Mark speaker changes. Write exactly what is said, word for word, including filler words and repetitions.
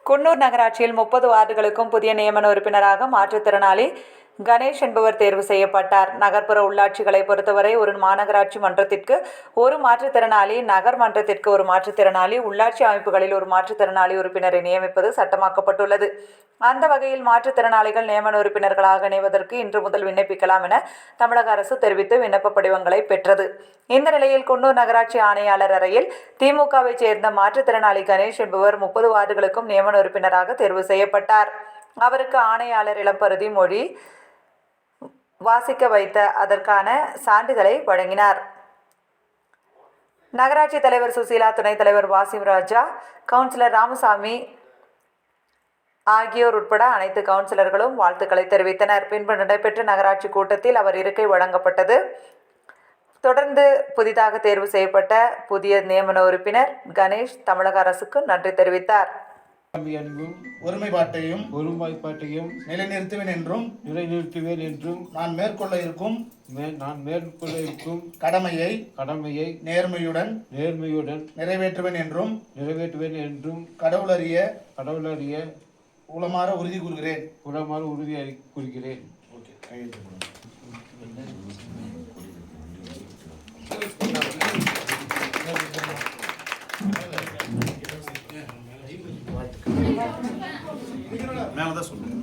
Speaker 1: குன்னூர் நகராட்சியில் முப்பது வார்டுகளுக்கும் புதிய நியமன உறுப்பினராக மாற்றுத்திறனாளி கணேஷ் என்பவர் தேர்வு செய்யப்பட்டார். நகர்ப்புற உள்ளாட்சிகளை பொறுத்தவரை ஒரு மாநகராட்சி மன்றத்திற்கு ஒரு மாற்றுத்திறனாளி, நகர் மன்றத்திற்கு ஒரு மாற்றுத்திறனாளி, உள்ளாட்சி அமைப்புகளில் ஒரு மாற்றுத்திறனாளி உறுப்பினரை நியமிப்பது சட்டமாக்கப்பட்டுள்ளது. அந்த வகையில் மாற்றுத்திறனாளிகள் நியமன உறுப்பினர்களாக இணைவதற்கு இன்று முதல் விண்ணப்பிக்கலாம் என தமிழக அரசு தெரிவித்து விண்ணப்ப படிவங்களை பெற்றது. இந்த நிலையில் குன்னூர் நகராட்சி ஆணையாளர் அறையில் திமுகவை சேர்ந்த மாற்றுத்திறனாளி கணேஷ் என்பவர் முப்பது வார்டுகளுக்கும் நியமன உறுப்பினராக தேர்வு செய்யப்பட்டார். அவருக்கு ஆணையாளர் இளம்பருதி மொழி வாசிக்க வைத்த அதற்கான சான்றிதழை வழங்கினார். நகராட்சி தலைவர் சுசீலா, துணைத் தலைவர் வாசிம் ராஜா, கவுன்சிலர் ராமசாமி ஆகியோர் உட்பட அனைத்து கவுன்சிலர்களும் வாழ்த்துக்களை தெரிவித்தனர். பின்பு நடைபெற்ற நகராட்சி கூட்டத்தில் அவர் இருக்கை வழங்கப்பட்டது. தொடர்ந்து புதிதாக தேர்வு செய்யப்பட்ட புதிய நியமன உறுப்பினர் கணேஷ் தமிழக அரசுக்கு நன்றி தெரிவித்தார்.
Speaker 2: ஒருமைப்பாட்டையும்
Speaker 3: ஒருமைப்பாட்டையும்
Speaker 2: நிலைநிறுத்துவேன் என்றும்
Speaker 3: நிலைநிறுத்துவேன் என்றும்
Speaker 2: நான் மேற்கொள்ள இருக்கும்
Speaker 3: நான் மேற்கொள்ள இருக்கும்
Speaker 2: கடமையை
Speaker 3: கடமையை
Speaker 2: நேர்மையுடன்
Speaker 3: நேர்மையுடன்
Speaker 2: நிறைவேற்றுவேன் என்றும்
Speaker 3: நிறைவேற்றுவேன் என்றும்
Speaker 2: கடவுளறிய
Speaker 3: கடவுளறிய
Speaker 2: உளமாற உறுதி கூறுகிறேன்
Speaker 3: உளமாற உறுதி கூறுகிறேன்.
Speaker 2: மேலதான் சொல்லுங்க.